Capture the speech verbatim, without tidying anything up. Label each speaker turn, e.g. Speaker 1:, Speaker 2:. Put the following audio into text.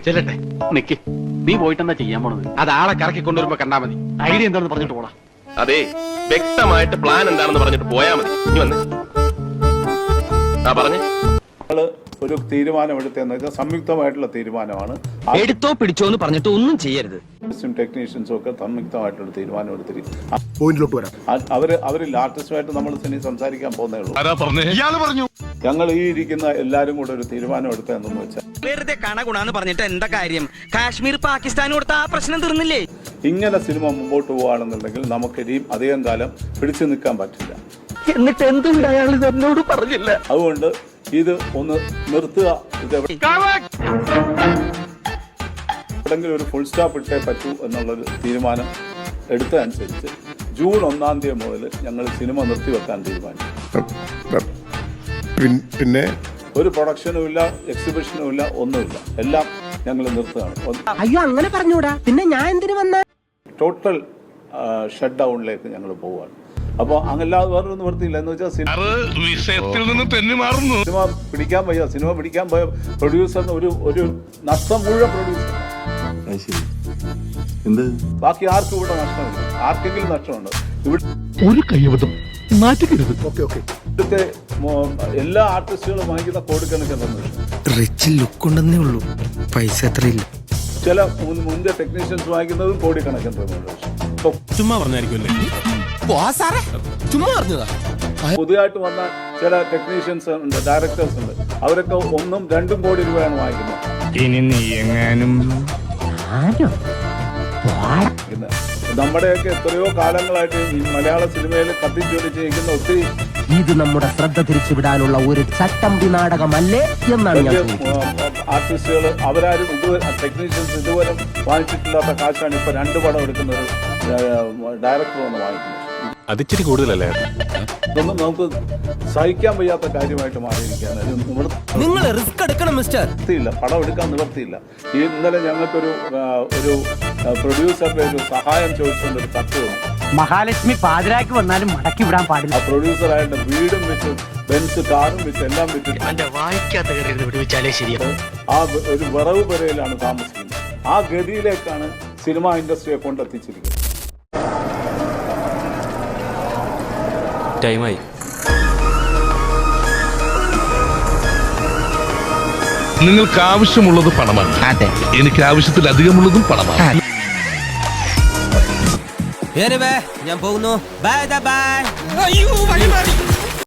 Speaker 1: ചെല്ലട്ടെ.
Speaker 2: നിക്ക്, നീ പോയിട്ട് എന്താ ചെയ്യാൻ പോണത്?
Speaker 1: അത് ആളെ കറക്കി കൊണ്ടുവരുമ്പോ കണ്ടാ മതി. ഐഡിയ എന്താണെന്ന് പറഞ്ഞിട്ട് പോടാ.
Speaker 3: അതെ, വ്യക്തമായിട്ട് പ്ലാൻ എന്താണെന്ന് പറഞ്ഞിട്ട് പോയാ മതി. ഇനി വന്ന് ആ പറഞ്ഞേ.
Speaker 4: ഒരു തീരുമാനമെടുത്തെന്ന് വെച്ചാൽ സംയുക്തമായിട്ടുള്ള തീരുമാനമാണ്.
Speaker 5: എടുത്തോ പിടിച്ചോ എന്ന് പറഞ്ഞിട്ട് ഒന്നും ചെയ്യരുത്.
Speaker 4: ടെക്നീഷ്യൻസും ഒക്കെ സംയുക്തമായിട്ടുള്ള തീരുമാനം എടുത്തിരിക്കും.
Speaker 1: പോയിന്റിലോട്ട് വരാം.
Speaker 4: അവര് അവരിൽ ആർട്ടിസ്റ്റുമായിട്ട് നമ്മൾ ഇനി സംസാരിക്കാൻ പോകുന്നേ ഉള്ളൂ. ഞങ്ങൾ ഈ ഇരിക്കുന്ന എല്ലാരും കൂടെ ഒരു തീരുമാനം എടുത്തതെന്ന് വെച്ചാൽ
Speaker 5: വെറുതെ കണ ഗുണാന്ന് പറഞ്ഞിട്ട് എന്താ കാര്യം? കാശ്മീർ പാകിസ്ഥാൻ കൊടുത്ത ആ പ്രശ്നം തീർന്നില്ലേ?
Speaker 4: ഇങ്ങനെ സിനിമ മുമ്പോട്ട് പോവുകയാണെന്നുണ്ടെങ്കിൽ നമുക്ക് ഇനിയും അധികം കാലം പിടിച്ചു നിൽക്കാൻ പറ്റില്ല.
Speaker 5: എന്നിട്ട് എന്തുകൊണ്ട് അയാൾ എന്നോട് പറഞ്ഞില്ല?
Speaker 4: അതുകൊണ്ട് ഇത് ഒന്ന് നിർത്തുക. ഇത് എവിടെങ്കിലും ഒരു ഫുൾ സ്റ്റോപ്പ് ഇട്ടേ പറ്റൂ എന്നുള്ളൊരു തീരുമാനം എടുത്തതനുസരിച്ച് ജൂൺ ഒന്നാം തീയതി മുതൽ ഞങ്ങൾ സിനിമ നിർത്തിവെക്കാൻ തീരുമാനിച്ചു.
Speaker 6: പിന്നെ
Speaker 4: ഒരു പ്രൊഡക്ഷനും ഇല്ല, എക്സിബിഷനും ഇല്ല, ഒന്നുമില്ല. എല്ലാം ഞങ്ങൾ നിർത്തുകയാണ്.
Speaker 5: അയ്യോ, അങ്ങനെ പറഞ്ഞൂടാ. പിന്നെ ഞാൻ എന്തിനു വന്ന?
Speaker 4: ടോട്ടൽ ഷട്ട് ഡൗണിലേക്ക് ഞങ്ങൾ പോവുകയാണ്. അപ്പോൾ അങ്ങല്ലാതെ വേറൊരു നിവൃത്തിയില്ല. എന്ന് വെച്ചാൽ സിനിമ പിടിക്കാൻ പോയ സിനിമ പിടിക്കാൻ പോയ പ്രൊഡ്യൂസറിന് ഒരു ഒരു നഷ്ടം മുഴുവൻ പ്രൊഡ്യൂസർ. ബാക്കി ആർക്കും ഇവിടെ നഷ്ടമില്ല. ആർക്കെങ്കിലും നഷ്ടമുണ്ട് ഇവിടെ
Speaker 1: ഒരു കൈവതം മാറ്റിക്കരുത്.
Speaker 4: ഇവിടുത്തെ എല്ലാ ആർട്ടിസ്റ്റുകളും വാങ്ങിക്കുന്ന കോടിക്കണക്കിന്
Speaker 7: റിച്ച് ലുക്ക് ഉണ്ടെന്നേ ഉള്ളൂ, പൈസ അത്രയില്ല.
Speaker 4: ചില മുൻപ് ടെക്നീഷ്യൻസ് വാങ്ങിക്കുന്നതും കോടിക്കണക്കിന്
Speaker 6: ചുമ്മാ പറഞ്ഞായിരിക്കുമല്ലേ? ചുമ്മാ പറഞ്ഞതാ.
Speaker 4: പുതിയതായിട്ട് വന്ന ചില ടെക്നീഷ്യൻസ് ഉണ്ട്, ഡയറക്ടേഴ്സ് ഉണ്ട്. അവരൊക്കെ ഒന്നും രണ്ടും കോടി രൂപയാണ് വാങ്ങിക്കുന്നത്.
Speaker 6: ഇനി നീ എങ്ങാനും
Speaker 4: നമ്മുടെയൊക്കെ എത്രയോ കാലങ്ങളായിട്ട് ഈ മലയാള സിനിമയിൽ കത്തിച്ചൊലി ചെയ്യിക്കുന്ന ഒത്തിരി
Speaker 5: ഇത് നമ്മുടെ ശ്രദ്ധ തിരിച്ചുവിടാനുള്ള ഒരു ചട്ടമ്പി നാടകമല്ലേ എന്നാണ് ഞാൻ
Speaker 4: ആർട്ടിസ്റ്റുകൾ. അവരാരും ഇതുവരെ ടെക്നീഷ്യൻസ് ഇതുവരെ വാങ്ങിച്ചിട്ടില്ലാത്ത കാശാണ് ഇപ്പൊ രണ്ട് പടം എടുക്കുന്ന ഒരു ഡയറക്ടർ വന്ന് വാങ്ങിക്കുന്നത്.
Speaker 6: അതിച്ചിരി കൂടുതലല്ലേ?
Speaker 4: ഇതൊന്നും നമുക്ക് സഹിക്കാൻ വയ്യാത്ത കാര്യമായിട്ട് മാറിയിരിക്കുകയാണ്.
Speaker 5: നിങ്ങൾ റിസ്ക് എടുക്കണം മിസ്റ്റർ.
Speaker 4: നിവർത്തിയില്ല, പടം എടുക്കാൻ നിവർത്തിയില്ല. ഈ ഇന്നലെ ഞങ്ങൾക്കൊരു ഒരു പ്രൊഡ്യൂസറുടെ ഒരു സഹായം ചോദിച്ചുകൊണ്ട് ഒരു കത്ത് വന്നു.
Speaker 5: മഹാലക്ഷ്മി പാതിരാക്ക് വന്നാലും മടക്കി വിടാൻ പാടില്ല.
Speaker 4: ആ പ്രൊഡ്യൂസർ അയാളുടെ വീടും വിറ്റ്, ബെൻസ് കാറും വിറ്റ്, എല്ലാം വിറ്റ് ആ ഒരു വിറവ് പെരയിലാണ് താമസിക്കുന്നത്. ആ ഗതിയിലേക്കാണ് സിനിമ ഇൻഡസ്ട്രിയെ കൊണ്ടെത്തിച്ചിരിക്കുന്നത്.
Speaker 7: ടൈമായി.
Speaker 6: നിങ്ങൾക്ക് ആവശ്യമുള്ളത് പണമാണ്. എനിക്ക് ആവശ്യത്തിലധികമുള്ളതും പണമാണ്.
Speaker 5: ഞാൻ പോകുന്നു. Bye by.